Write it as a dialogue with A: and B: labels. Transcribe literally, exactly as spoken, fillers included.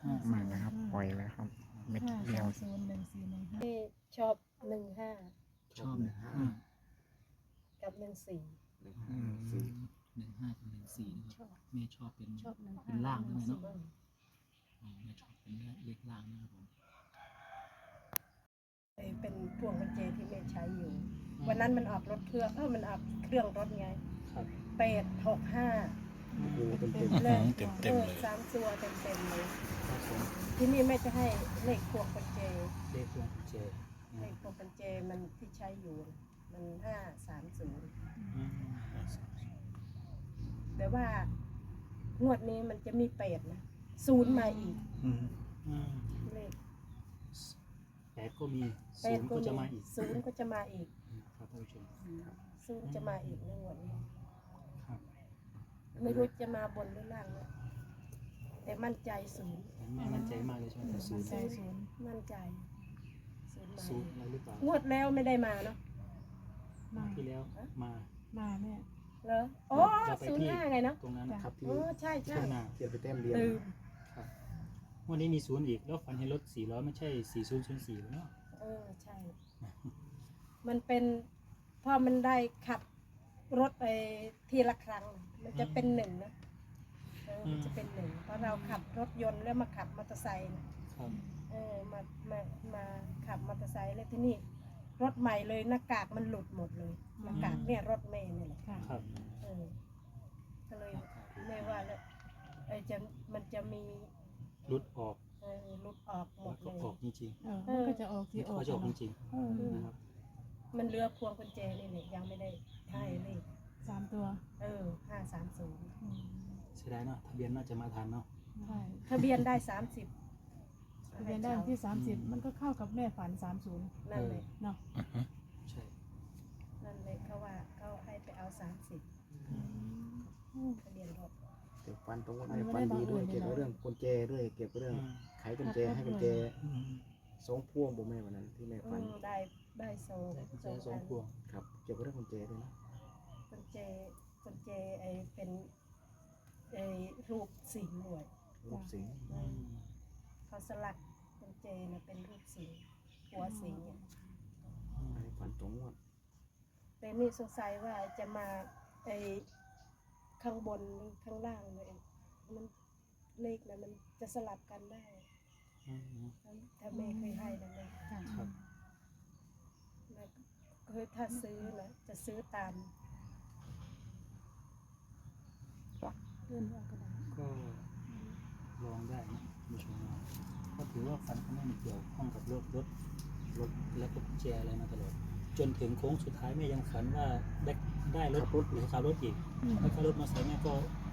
A: ห้า
B: มาแล้วครับปล่อยแล้วครับเม็ดเดียว
C: ศูนย์หนึ่งสี่หนึ่งห้า
D: ชอบหนึ่งห้า
A: ชอบหนึ่งห้า
D: กับหนึ่งสี่
A: หนึ่งห้าสี่หนึ่งห้ากับหนึ่งสี่นะค
D: ช
A: รับ
D: อบ
A: แม่ชอบเป็น
C: ชอบหนึ่ง
A: เป็นล่างใช่ไหมเนาะ
D: อืม
A: อ๋อแม่ชอบเป็นเลขล่างนะครับผม
D: ไอ้เป็นพวงกุญแจที่แม่ใช้อยู่ วันนั้นมันออกรถเครื่องเออมันออกเครื่องรถไง
A: ครับ
D: แปดหกห้า
A: โอ้โหเต็มเต็ม
D: เลย
B: เต็มเต็มเลย
D: ออสามตัวเต็มเต็มๆเลย
A: ครับผม
D: ที่นี่แม่จะให้เลขพวงกุญแจ
A: เลขพวงกุญแจ
D: เลขพวงกุญแจมันที่ใช้อยู่น่ะมันห้าสามศูนย์
A: อืม
D: แต่ว่างวดนี้มันจะมีแปดนะศูนย์มาอีก
B: อืม
A: อืม
D: เลข
A: แปดก็มี
D: แป
A: ศู
D: ด
A: นย์ก็จะมาอีก
D: ศูนย์ก็จะมาอีก
A: ครับท่านผู้ชม
D: ศูนย์จะมาอีกในงวดนี้
A: ครับ
D: ไม่รู้จะมาบนหรือล่างนะแต่มั่นใจศูนย์
A: แม่มั่นใจมากเลยใช่ไหมศูนย์
C: ใจศูนย์
D: มั่นใจศูนย์มา
A: ศูนย์อะไรหรือเปล่าง
D: วดแล้วไม่ได้มาเนาะ
C: มา
A: ที่แล้วมา
C: มาแม่
D: เหรอโอ้
A: เราไป
D: ศูนย์
A: ที่
D: ห้าไงเนาะ
A: ตรงนั้นครับที่
D: โอ้ใช่ใช่
A: ข้างหน้า
E: เขียนไปแต้มเดียว
D: ลืม
A: ครับวันนี้มีศูนย์อีกแล้วฝันเห็นรถสี่ล้อไม่ใช่สี่ศูนย์ศูนย์สี่เนาะ
D: เออใช่ มันเป็นพอมันได้ขับรถไปทีละครั้ง มันจะเป็นหนึ่งนะเออมันจะเป็นหนึ่งเพราะเราขับรถยนต์แล้วมาขับมอเตอร์ไซค์นะครับ เออมามามาขับมอเตอร์ไซค์แล้วที่นี่รถใหม่เลยหน้ากากมันหลุดหมดเลยหน้ากากเนี่ยรถเมย์นี่แหละ
C: ค่ะ
A: ครับ
D: เออก็เลยไม่ว่าแล้วไอ้จะมันจะมี
A: รุดออก
D: เออหลุดออกหม
A: แล้ว
D: ด
A: ก็
D: เลย
A: ออกจริง
C: เออมันก็จะออก
A: ๆ
C: ที่ออก
A: เขาจะออกจริง
C: เออ
A: ๆนะครับ
D: มันเหลือพวงกุญแจนี่แหละยังไม่ได้ให้เลย
C: สามตัว
D: เออห้าสามศูนย์
C: อืม
A: เสียดายเนาะทะเบียนน่าจะมาทันเนาะ
C: ใช่
D: ทะเบียนได้สามสิบ
C: ทะเบียนได้วันที่สามสิบมันก็เข้ากับแม่ฝันสามศูนย์
D: นั่นเลย
C: เนาะ
A: ใช่
D: นั่นเลยเขาว่าเขาให้ไปเอาสามสิบ
C: อืม
D: ทะเบียนรถ
E: เก็บฟันตรงวัน
C: มัน
E: ไหน
C: ไม่
E: ฟั
C: ได้
E: นดีด้วย
C: บังเอิญ
E: เก็บ
C: เลย
E: เรื่องกุญแจด้วยเก็บเรื่อง
A: อืม
E: ไขกุญแจให้กุญแจ
A: อืม
E: สองพวงผมแม่วันนั้นที่แม่
D: อื
E: ฟัน
D: มได้ได้โซ
A: กุญแจสองพวง
E: ครับเก็บเรื่องกุญแจด้วยนะ
D: กุญแจกุญแจไอเป็นไอรูปสิงห์ด้วย
E: รูปสิงห์
D: อืมเขาสลักกุญแจนะเป็นรูปสิงห์หัวสิงห์เนี่ย
E: อันนี้ฟันตรงวัน
D: แต่นี่สงสัยว่าจะมาไอข้างบนหรือข้างล่างเลยมันเลขนะมันจะสลับกันได้
A: อืม
D: ถ้าแม่เคยให้นะแม่
C: ค่ะ
A: ครับ
D: แม่เคยถ้าซื้อนะจะซื้อตาม
C: เลื่อนออกก็ได้
A: ก็ลองได้นะคุณผู้ชมนะก็ถือว่าฝันเขาไม่มีเกี่ยวข้องกับรถรถรถและก็กุญแจอะไรมาตลอดจนถึงโค้งสุดท้ายแม่ยังฝันว่าได้ได้รถรถหรือขับรถอีก
C: อืม
A: แล้วก็รถมาใส่แม่ก็